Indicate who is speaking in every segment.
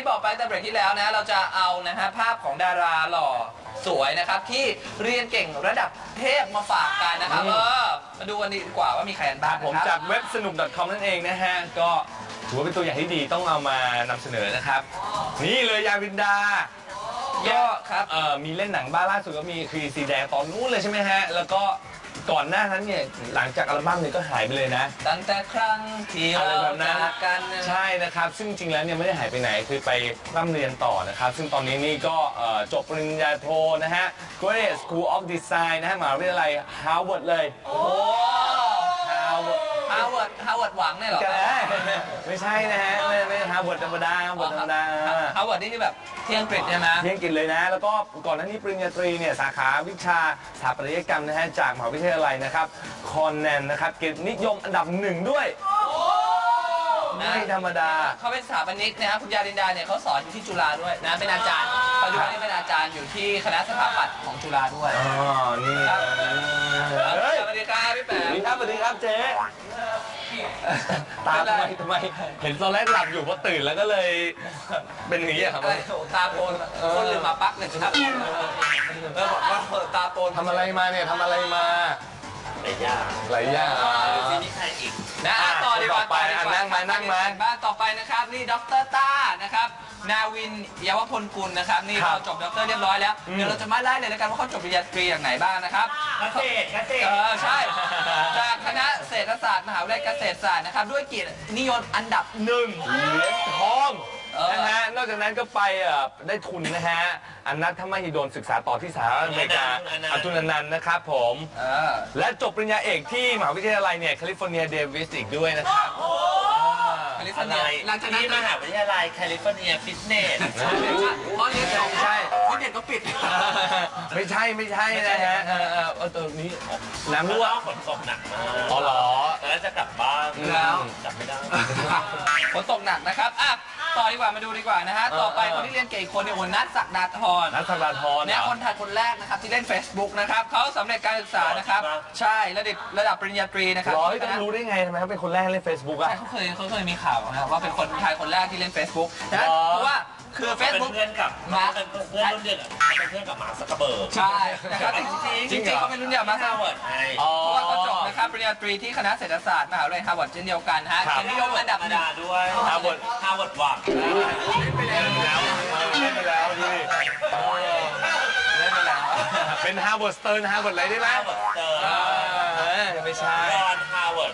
Speaker 1: บอกไปแต่เบรกที่แล้วนะเราจะเอานะฮะภาพของดาราหล่อสวยนะครับที่เรียนเก่งระดับเทพมาฝากกันนะครับมาดูกันดีกว่าว่ามีใครกันบ้าง
Speaker 2: ผมจากเว็บสนุก .com นั่นเองนะฮะก็ถือว่าเป็นตัวอย่างที่ดีต้องเอามานำเสนอนะครับนี่เลยยาวินดาก็ครับมีเล่นหนังบ้าล่าสุดก็มีคือสีแดงตอนนู้นเลยใช่ไหมฮะแล้วก็ก่อนหน้านั้นเนี่ยหลังจากอัลบั้มเนี่ยก็หายไปเลยนะ
Speaker 1: ตั้งแต่ครั้งที่เราจากกัน
Speaker 2: ใช่นะครับซึ่งจริงแล้วเนี่ยไม่ได้หายไปไหนคือไปร่ำเรียนต่อนะครับซึ่งตอนนี้นี่ก็จบปริญญาโทนะฮะ Graduate School of Design นะฮะมหาวิทยาลัย Harvard เลย
Speaker 1: โอ้ Harvard หวังเนี่ยหรอ
Speaker 2: ไม่ใช่นะฮะไม่ Harvard ธรรมดา
Speaker 1: Harvard นี่คือแบบที่อังกฤษใช่ไหม
Speaker 2: ที่อังกฤษเลยนะแล้วก็ก่อนหน้านี้ปริญญาตรีเนี่ยสาขาวิชาสถาปัตยกรรมนะฮะจากมหาวิทยาลัยนะครับคอนแนนนะครับเกียรตินิยมอันดับ1ด้วยไม่ธรรมดา
Speaker 1: เขาเป็นสถาปนิกนะครับคุณยาดินดาเนี่ยเขาสอนอยู่ที่จุฬาด้วยนะเป็นอาจารย์ปัจจุบันนี้เป็นอาจารย์อยู่ที่คณะสถาปัตย์ของจุฬาด้วย
Speaker 2: อ๋อนี่
Speaker 1: สวัสดีครับพี่แป๋
Speaker 2: มสวัสดีครับเจ๊ตาทำไมเห็นตอนแรกหลับอยู่พอตื่นแล้วก็เลยเป็นอย่างนี้ครับ
Speaker 1: ตาโปนคนลืมมาปักเลยครับแล้วบอกว่าตาโปน
Speaker 2: ทำอะไรมาเนี่ยทำอะไรมา
Speaker 3: หลายอย่าง
Speaker 1: ซีนี่ใครอีกนะต่อดีกว่า
Speaker 2: นั่งมา
Speaker 1: บ้านต่อไปนะครับนี่ดร.ต้านะครับนาวินยาวพลกุลนะครับนี่เราจบด็อกเตอร์เรียบร้อยแล้วเดี๋ยวเราจะมาไล่เลยแล้วกันว่าเขาจบปริญญาตรีอย่างไหไหนบ้างนะครับ
Speaker 3: เกษตร
Speaker 1: ใช่จากคณะเศรษฐศาสตร์มหาวิทยาลัยเกษตรศาสตร์นะครับด้วยเกียรตินิยมอันดับ1เห
Speaker 2: รียญทองนะฮะนอกจากนั้นก็ไปได้ทุนนะฮะอนัทมหิดลศึกษาต่อที่สหรัฐอเมริกาอตุลนันท์นะครับผมและจบปริญญาเอกที่มหาวิทยาลัยเนี่ยแคลิฟอร์เนียเดวิสอีกด้วยนะครับ
Speaker 1: หลังจากนั้น
Speaker 3: มหาวิทยาลัยแคลิฟอร์เนียฟิตเนส
Speaker 1: เพราะเรียนใช่ฟิตเนสก็ปิด
Speaker 2: ไม่ใช่นะฮะตัวนี้
Speaker 3: น้ำรั่วฝนตกหนักมาก
Speaker 2: อ๋อเหรอ
Speaker 3: แล้วจะกลับบ้าน
Speaker 1: แล้ว
Speaker 3: กลับไม่ได้
Speaker 1: ฝนตกหนักนะครับต่อดีกว่ามาดูดีกว่านะฮะต่อไปคนที่เรียนเก่งคนเนี่ยนัทศักดาธรเนี่ยคนไทยคนแรกนะครับที่เล่น Facebook นะครับเขาสำเร็จการศึกษานะครับใช่ระดับปริญญาตรีนะครับ
Speaker 2: ต้องรู้ได้ไงทำไมเขาเป็นคนแรกเล่น Facebook อ่ะ
Speaker 1: ใช่เขาเคยมีข่าวนะว่าเป็นคนไทยคนแรกที่เล่น Facebook นะเพราะว่าคือ Facebook
Speaker 3: เพื่อนกับมาเป็นเพื่อนรุ่นเดียวเป็นเพื่อนกับมาร์คซักเคอร์เบิร์ก
Speaker 1: ใช่นะครับจริงเขาเป็นรุ่นเดียวมาฮาร์วาร์ดเพราะว่าเขาจบนะครับปริญญาตรีที่คณะเศรษฐศาสตร์มหาวิทยาลัยฮาร์วาร์ดเช่นเดียวกันฮะเกียรตินิยมอันดับ1
Speaker 3: ด้วยฮาร์วาร์ดหวัง
Speaker 2: เล่นไปแล้วดิเป็นฮาร์วาร์ดสเติร์นฮาร์วาร์ดอะไรได้ไหมไม่ใช่
Speaker 3: รอนฮาร์วาร์ด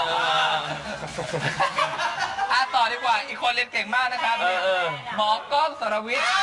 Speaker 1: ต่อดีกว่าอีกคนเรียนเก่งมากนะครับหมอกล้องสรวิทย์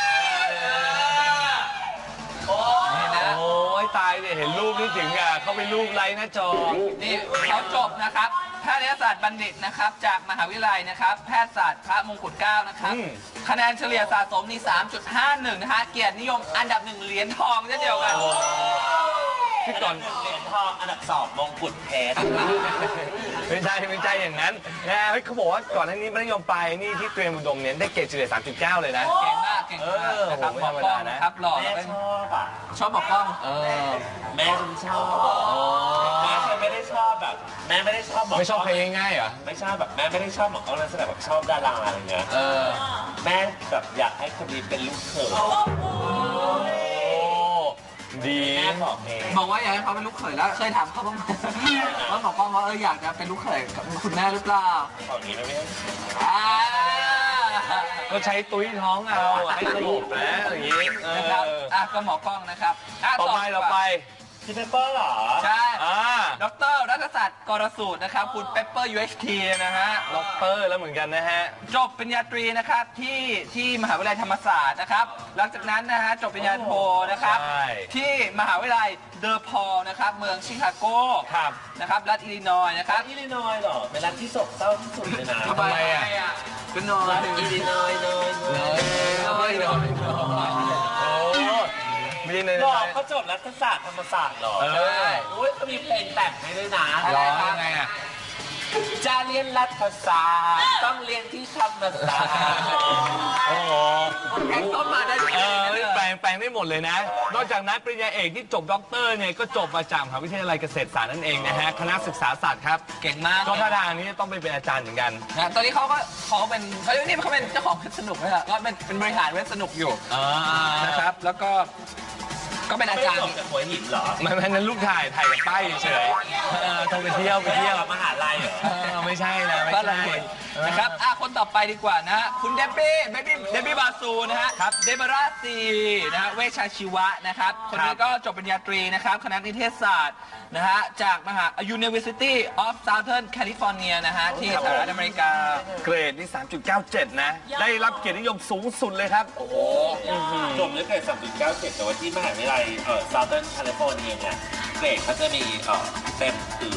Speaker 2: นี่นะโอ้ยตายเนี่ยเห็นรูปนี่ถึงเขาไปรูปไลน์หน้าจอ
Speaker 1: นี่เขาจบนะครับแพทยศาสตร์บัณฑิตนะครับจากมหาวิทยาลัยนะครับแพทยศาสตร์พระมงกุฎเกล้านะครับคะแนนเฉลี่ยสะสมนี่ 3.51 นะฮะเกียรตินิยมอันดับ1เหรียญทองเช่นเดียวกัน
Speaker 3: ที่ก่อนเหรียญทองอันดับ2มงกุฎเพชร
Speaker 2: ไม่ใช่อย่างนั้นนะเขาบอกว่าก่อนหน้านี้มัธยมปลายนี่ที่เตรียมอุดมเนี่ยได้เกรดเฉลี่ย 3.9 เลยนะ
Speaker 1: เก่งมากนะครับหมอกล้องนะครับหล่อ
Speaker 3: แม่
Speaker 1: ชอบหมอกล้อง
Speaker 3: แม่ฉันชอบแม่ฉันไม่ได้ชอบแบบแม่ไม่ได้ชอบ
Speaker 2: ไม่ชอบเพลงง่ายๆเหรอ
Speaker 3: ไม่ชอบแบบแม่ไม่ได้ชอบหมอกล้องนั่นแสดงแบบชอบดาราอะไรเงี้ยแม่แบบอยากให้คนนี้เป็นลูกเขย
Speaker 2: ดี
Speaker 1: บอกว่าอยากให้เขาเป็นลูกเขยแล้วเคยถามเขาบ้างไหมว่าหมอกล้องว่าอยากจะเป็นลูกเขยกับคุณแม่หรือเปล่า
Speaker 3: ตอนนี้นะพี่
Speaker 2: ก็ใช้ตุ้ยท้องเอาให้ระบบนะอย่างนี้
Speaker 1: นะครับก็หมอกล้องนะครับ
Speaker 2: ต่อไป
Speaker 3: พี่เปเปอร์เหรอ
Speaker 1: ใช่ดร.รัฐศาสตร์กรสูตรนะครับคุณเปเปอร์ UHT นะฮะ
Speaker 2: ด็อกเตอร์แล้วเหมือนกันนะฮะ
Speaker 1: จบปริญญาตรีนะครับที่มหาวิทยาลัยธรรมศาสตร์นะครับหลังจากนั้นนะฮะจบปริญญาโทนะครับที่มหาวิทยาลัยเดอพอลนะครับเมืองชิคาโกนะครับรัฐอิลลินอยส์นะครับ
Speaker 3: อิลลินอยส์เหรอเป็นรัฐที่โศกเศร้าที่สุดเลยนะ
Speaker 1: ทำไมก็นอย
Speaker 3: อิลลินอยส์หรอเขาจบรัฐศาสตร์ธรรมศาสตร์หรอ
Speaker 1: ใช่
Speaker 3: ก็มีเพลงแต่งให้ด้วยนะ
Speaker 1: อะไรยังไง
Speaker 3: จะเรียนรัฐศาสตร์ต้องเรียนที่ธรรมศาสตร์
Speaker 1: แข่งต้นมาได้
Speaker 2: แปลแปลงได้หมดเลยนะ นอกจากนั้นปริญญาเอกที่จบด็อกเตอร์เนี่ยก็จบมาจากมหาวิทยาลัยเกษตรศาสตร์นั่นเองนะฮะคณะศึกษาศาสตร์ครับ
Speaker 1: เก่งมาก
Speaker 2: ก็ท่าทางนี้ต้องไปเป็นอาจารย์เหมือนกัน
Speaker 1: นะตอนนี้เขาเป็นเขาเป็นเจ้าของเว็บสนุกไหมล่ะก็เป็นบริหารเว็บสนุกอยู่นะครับแล้วก็เป็นอาจารย์
Speaker 3: ไม่จบจากหัวหินเหรอ
Speaker 2: ไม่นั้นลูกถ่ายกับป้ายเฉยๆต้องไปเที่ยว
Speaker 3: มหาลัยเหรอ
Speaker 2: ไม่ใช่นะไม่
Speaker 1: ก็
Speaker 2: ใช่
Speaker 1: เลยนะครับคนต่อไปดีกว่านะฮะคุณเดบบี้บาซูนะฮะเดบราซีนะฮะเวชชาชีวะนะครับคนนี้ก็จบปริญญาตรีนะครับคณะนิเทศศาสตร์นะฮะจากมหา University of Southern California นะฮะที่สหรัฐอเมริกา
Speaker 2: เกรดนี่ 3.97 นะ ได้รับเกียรตินิยมสูงสุดเลยครับ โอ้โห
Speaker 3: จบด้วยเกรด 3.97 แต่ว่าที่มหาวิทยาลัยSouthern California เนี่ยเกรดเขาจะมีเต็มคือ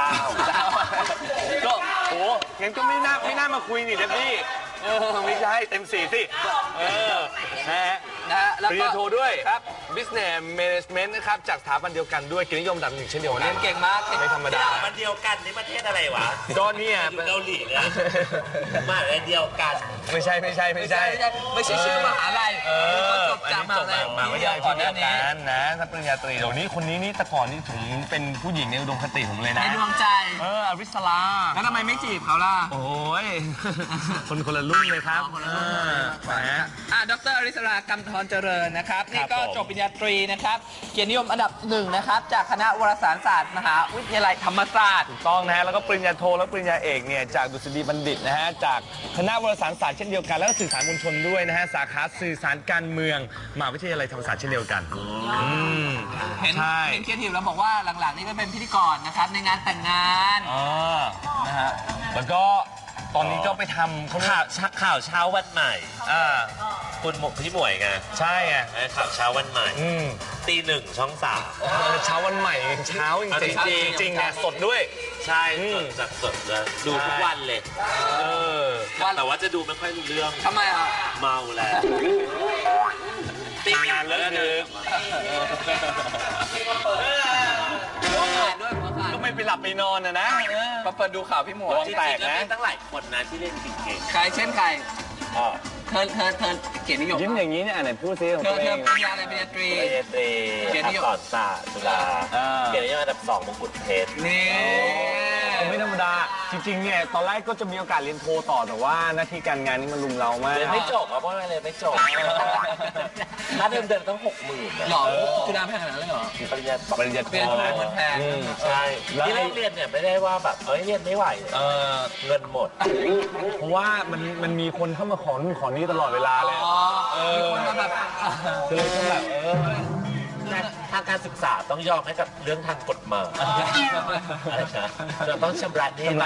Speaker 3: 9
Speaker 2: ก็โอ้งั้นก็ไม่น่ามาคุยนี่เดบบี้ไม่ใช่เต็ม4สินะฮะ
Speaker 1: นะฮะแล้ว
Speaker 2: ปริญ
Speaker 1: ก็
Speaker 2: ญาโทด้วย
Speaker 1: ครับ
Speaker 2: Business Management นะครับจากสถาบันเดียวกันด้วยเกียรตินิยมอันดับ 1เช่นเดียวกั
Speaker 1: เรียนเก่งมาก
Speaker 2: ไม่ธรรมดา
Speaker 3: มันเดียวกันนี่ประเทศอะไรวะ
Speaker 2: ก็เนี่ย
Speaker 3: อยู่เกาหลีนะมหาลัยเดียวกัน
Speaker 2: ไม่ใช่
Speaker 1: ไม่ใช่ชื่อมหาลัยเขาจบจากมหาลัย
Speaker 2: มาวิทยาลัย
Speaker 1: ก่อน
Speaker 2: ที่
Speaker 1: ห
Speaker 2: เดี
Speaker 1: น้า
Speaker 2: ยว
Speaker 1: นี้
Speaker 2: กันนะถ้าปริญญาตรีเดี๋ยวนี้คนนี้นี่แต่ก่อนนี่ถึงเป็นผู้หญิงในอุดมคติผมเลย
Speaker 1: ใน
Speaker 2: นะ
Speaker 1: ดวงใจ
Speaker 2: อริสลา
Speaker 1: แล้วทำไมไม่จีบเขาล่ะ
Speaker 2: โอ้ย คนละรุ่นเลยครับ
Speaker 1: ดรอริสรากำธรเจริญนะครับนี่ก็จบปริญญาตรีนะครับเกียรตินิยมอันดับ 1นะครับจากคณะวารสารศาสตร์มหาวิทยาลัยธรรมศาสตร์
Speaker 2: ถูกต้องนะฮะแล้วก็ปริญญาโทและปริญญาเอกเนี่ยจากดุษฎีบัณฑิตนะฮะจากคณะวารสารศาสตร์เช่นเดียวกันแล้วก็สื่อสารมวลชนด้วยนะฮะสาขาสื่อสารการเมืองมหาวิทยาลัยธรรมศาสตร์เช่นเดียวกัน
Speaker 1: เห็น
Speaker 2: ใช่
Speaker 1: เคียรติแล้วบอกว่าหลังๆนี่ก็เป็นพิธีกรนะครับในงานแต่งงาน
Speaker 2: นะฮะแล้วก็ตอนนี้ก็ไปทำเขา
Speaker 3: ข่าวเช้าวันใหม่คุณพี่หมวยไง
Speaker 2: ใช่ไง
Speaker 3: ข่าวเช้าวันใหม่ตี 1 ช่อง 3
Speaker 2: เช้าวันใหม่เช้าจริงๆเนี่ยสดด้วย
Speaker 3: ใช่สดจากสดเลยดูทุกวันเลยแต่ว่าจะดูไม่ค่อยรู้เรื่อง
Speaker 1: ทำไมอ่ะ
Speaker 3: เมาแล้ว
Speaker 2: ตีงานเลิกดึก
Speaker 1: หัวขาดด้วยหัวขาด
Speaker 2: ก็ไม่ไปหลับไปนอนนะ
Speaker 1: มาเปิดดูข่าวพี่หมวย
Speaker 3: จริงๆแล้วมีตั้งหลายคนนะที่เล่นเก่ง
Speaker 1: ใครเช่นใคร
Speaker 3: ๆ
Speaker 1: เธอเกียรตินิยม
Speaker 2: ยิ้มอย่างนี้เนี่ยไหนพูดซิของ
Speaker 1: เธ
Speaker 2: ตั
Speaker 1: อ
Speaker 2: วเอง
Speaker 1: ปริญญาอะไรปริญญาตรี
Speaker 3: ปริญญาตรี
Speaker 1: เกียรตินิยม
Speaker 3: อักษรศาสตร์จุฬาเกียรตินิยมอันดับ 2 มงกุฎเพชร
Speaker 1: นี่
Speaker 2: ไม่ธรรมดาจริงๆเนี่ยตอนแรกก็จะมีโอกาสเรียนโทต่อแต่ว่าหน้าที่การงานนี่มันลุมเรามาก
Speaker 3: เรียนไม่จบเพราะว่าอะไรไม่จบค่าเดิมต้อง 60,000
Speaker 1: หล่อจุฬาแพงขนาดนั้นเลยเหรอ
Speaker 3: ปริญญา
Speaker 2: ปริญญาโท
Speaker 1: เป็น
Speaker 2: นะ
Speaker 1: มันแพง
Speaker 3: ใช่ที่แรกเรียนเนี่ยไม่ได้ว่าแบบเรียนไม่ไหวเงินหมด
Speaker 2: เพราะว่ามันมีคนเข้ามาขอนู่นขอนี่ตลอดเวลาเลย
Speaker 1: มีคนมาแบบ
Speaker 2: เลยก็แบบ
Speaker 3: ทางการศึกษาต้องยอมให้กับเรื่องทางกฎหมายอะไรนะเราต้องชำระหนี้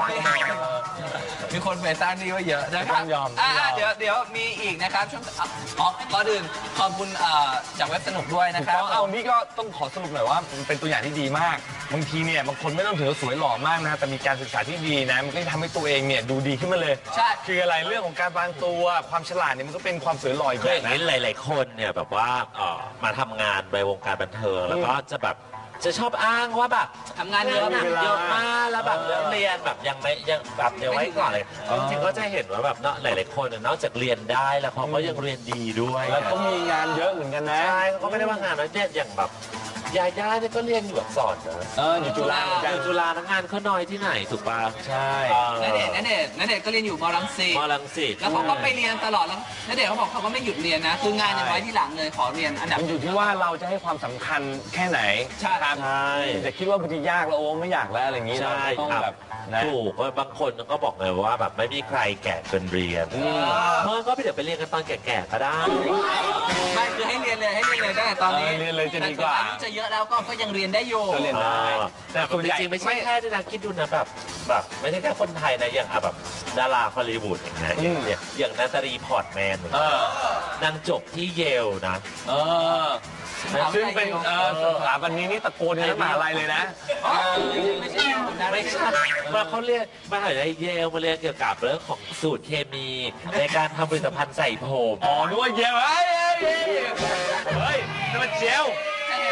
Speaker 1: มีคนไปสร้างนี่ว่าเยอะนะครับ
Speaker 2: ต้องยอม
Speaker 1: เดี๋ยวมีอีกนะครับช่วงก่อนอื่นขอบคุณจากเว็บสนุกด้วยนะครับ
Speaker 2: เอานี่ก็ต้องขอสรุปหน่อยว่ามันเป็นตัวอย่างที่ดีมากบางทีเนี่ยบางคนไม่ต้องถือว่าสวยหล่อมากนะแต่มีการศึกษาที่ดีนะมันก็จะทำให้ตัวเองเนี่ยดูดีขึ้นมาเลย
Speaker 1: ใช่
Speaker 2: คืออะไรเรื่องของการวางตัวความฉลาดเนี่ยมันก็เป็นความสวยหล่ออีก
Speaker 3: คือ
Speaker 2: แบ
Speaker 3: อบ ย่าง
Speaker 2: นะ
Speaker 3: นี้หลาย ๆ คนเนี่ยแบบว่ามาทำงานในวงการบันเทิงแล้วก็จะชอบอ้างว่าแบบ
Speaker 1: ทำงานเยอะ
Speaker 3: หนักเยอะมากแล้วแบบเรื่องเรียนแบบยังแบบเดี๋ยวไว้ก่อนเลยจริงๆก็จะเห็นว่าแบบเนาะหลาย ๆ คนนอกจากเรียนได้แล้วเขาก็ยังเรียนดีด้วย
Speaker 2: แล้วก็มีงานเยอะเหมือนกันนะ
Speaker 3: ใช่เขาก็ไม่ได้ว่างานน้อยเนี่ยอย่างแบบยาย่าเนี่ยก็เรียนอยู่อักษรนะ
Speaker 2: อยู่จุฬาเหมือนกัน
Speaker 3: อยู่จุฬาทั้งงานเขาน้อยที่ไหนถูกป่ะ
Speaker 2: ใช่
Speaker 1: ณเดชน์ก็เรียนอยู่มรังสิต
Speaker 3: มอลังสิต
Speaker 1: แล้วเขาก็ไปเรียนตลอดแล้วณเดชน์เขาบอกเขาก็ไม่หยุดเรียนนะ คืองานยังไว้ที่หลังเลยขอเรียนอันดับ
Speaker 2: มันอยู่ที่ว่าเราจะให้ความสำคัญแค่ไหน
Speaker 1: ใช่
Speaker 2: ครับ
Speaker 3: ใช่
Speaker 2: แต่คิดว่าบางทียากแล้วโอ้ไม่อยากแล้วอะไรอย่างนี้เรา
Speaker 3: ใช่
Speaker 2: ก็ต้อง
Speaker 3: ครับ
Speaker 2: แบบนะ
Speaker 3: ถูกว่าบางคนก็บอกเลยว่าแบบไม่มีใครแก่เกินเรียนเมื่อก็ไปเดี๋ยวไปเรียนกันตอนแก่ๆก็ได้
Speaker 1: ไม่คือให้เรียนเลยตั้งแต่ตอนนี้
Speaker 2: เรียนเลยจะดีกว่า
Speaker 1: แต่อายุจะเยอะแล้วก็ยังเรียนได้อยู่
Speaker 2: ก็เรียนได้
Speaker 3: แต่จริงๆไม่ใช่แค่ที่นะคิดดูนะแบบไม่ใช่แค่คนไทยนะอย่างแบบดาราฮอลลีวูดอย่างเงี้ยอย่างนาตาลีพอร์ตแมนนางจบที่เยลนะ
Speaker 2: ซึ่งเป็นสถาบันนี้นี่ตะโกนในมหาลัยเลยนะ
Speaker 1: ไม่ใช่
Speaker 3: ว่าเขาเรียนมหาลัยเยลมาเรียนเกี่ยวกับเรื่องของสูตรเคมีในการทำผลิตภัณฑ์ใส่ผม
Speaker 2: อ๋อนึกว่าเยลเฮ้ยนี่มันเจล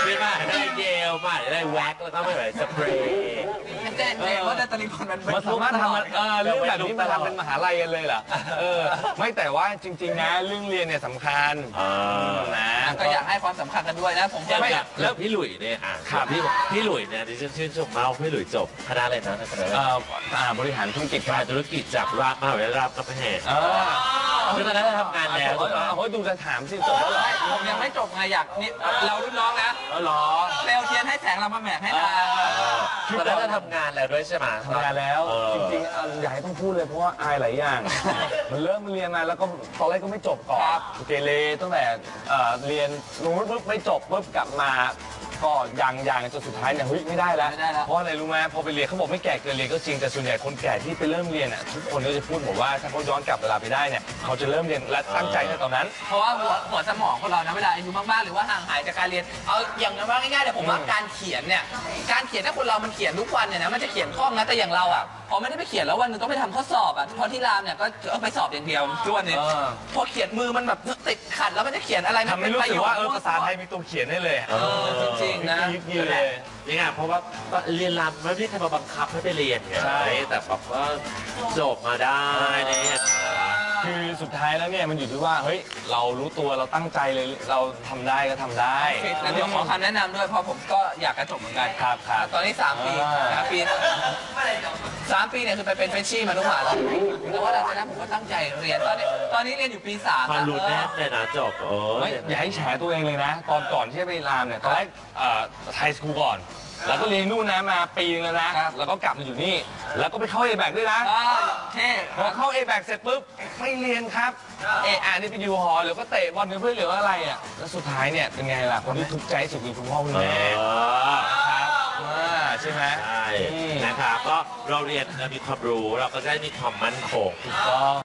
Speaker 3: ไม่มาได้เยลมาได้แว็กแล้วก็ไม่แบบสเปรย์
Speaker 1: เจ๊เพราะนาตาลีพอร์ตมันเป็น
Speaker 2: มันสามารถทำเรื่องแบบนี้มาทำเป็นมหาลัยกันเลยเหรอไม่แต่ว่าจริงๆนะเรื่องเรียนเนี่ยสำคัญนะ
Speaker 1: ก็อยากให้ความสำคัญกันด้วยนะผม
Speaker 3: อย่าง
Speaker 1: ไม่
Speaker 3: แล้วพี่หลุยเนี่ยพี่หลุยเนี่ยดิฉันชื่นชมมากพี่หลุยจบคณะอะไรนะคณะ
Speaker 2: บริหารธุรกิจ
Speaker 3: การธุรกิจจากมหาวิทยาลัยรามคำแหงคือตอนนั้นทำงานแล้ว
Speaker 2: เฮ้ยดูจะถามสิจบแล้วเหรอ
Speaker 1: ผมยังไม่จบไงอยากนี่เรารุ่นน้องนะ
Speaker 3: หรอ
Speaker 1: เปลวเทียนให้แสงเรามาแหมกให้ตา
Speaker 3: ตอนนั้นจะทำงานแล้วด้วยใช่ไหม
Speaker 2: ทำงานแล้วจริงๆอยากให้ต้องพูดเลยเพราะว่าอายหลายอย่าง มันเริ่มเรียนมาแล้วก็ตอนแรกก็ไม่จบก่อนเกเรตั้งแต่เรียนรู้ปุ๊บไม่จบปุ๊บกลับมาก็ยังจนสุดท้ายเนี่ยเฮ้ยไม่ได้แล้วเพราะอะไรรู้ไหมพอไปเรียนเขาบอกไม่แก่เกินเรียนก็จริงแต่ส่วนใหญ่คนแก่ที่ไปเริ่มเรียนอ่ะทุกคนก็จะพูดบอกว่าถ้าเขาย้อนกลับเวลาไปได้เนี่ยเขาจะเริ่มเรียนและตั้งใจในตอนนั้น
Speaker 1: เพราะว่าหัวสมองของเรานะเวลาอายุมากๆหรือว่าห่างหายจากการเรียนเอาอย่างนั้นว่าง่ายๆแต่ผมว่าการเขียนเนี่ยการเขียนถ้าคนเรามันเขียนทุกวันเนี่ยนะมันจะเขียนคล่องนะแต่อย่างเราอ่ะพอไม่ได้ไปเขียนแล้ววันหนึงต้องไปทำข้อสอบอ่ะเพราะที่รามเนี่ยก็เอาไปสอบอย่างเดียวทุกวันนี้พอเขียนมือมันแบบติดขัดแล้วมันจะเขียนอะไร
Speaker 2: ทำให้รู้สึกว่าภาษาไทยมีตัวเขียนได้เลย
Speaker 1: จริงๆนะ
Speaker 2: ยืดเลย
Speaker 3: นี่ไงเพราะว่าเรียนรำไม่ได้ใครมาบังคับให้ไปเรียนไงแต่แบบว่าจบมาได้เนี่ย
Speaker 2: คือสุดท้ายแล้วเนี่ยมันอยู่ที่ว่าเฮ้ยเรารู้ตัวเราตั้งใจเลยเราทำได้ก็ทำได้
Speaker 1: แล้วเดี๋ยวขอคำแนะนำด้วยเพราะผมก็อยากจะจบเหมือนกัน
Speaker 2: ครับครับ
Speaker 1: ตอนนี้3 ปีนะปี3 ปีเนี่ยคือไปเป็นเฟรชชี่มาทุกมหาลัยแต่ว่าหลังจากนั้นผมก็ตั้งใจเรียนตอนนี้เรียนอยู่ปี3
Speaker 3: ความรู้แน่เลยนะจบ
Speaker 2: อย่าให้แฉตัวเองเลยนะ ตอนก่อนที่จะไปรามเนี่ยตอนแรกไทยสคูลก่อน แล้วก็เรียนนู่นนะมาปีนึงแล้วนะแล้วก็กลับมาอยู่นี่ แล้วก็ไปเข้า A-BAC ด้วยนะ
Speaker 1: เท่
Speaker 2: พอเข้า A-BAC เสร็จปุ๊บไม่เรียนครับนี่ไปอยู่หอหรือก็เตะบอลกับเพื่อนหรือว่าอะไรอ่ะแล้วสุดท้ายเนี่ยเป็นไงล่ะคนที่ทุกข์ใจสุดคือคุณพ่อคุณแม่ครับใช่ไหม
Speaker 3: ใช่นะครับก็เราเรียนมีความรู้เราก็ได้มีความมั่นคง
Speaker 2: ถูกต้อง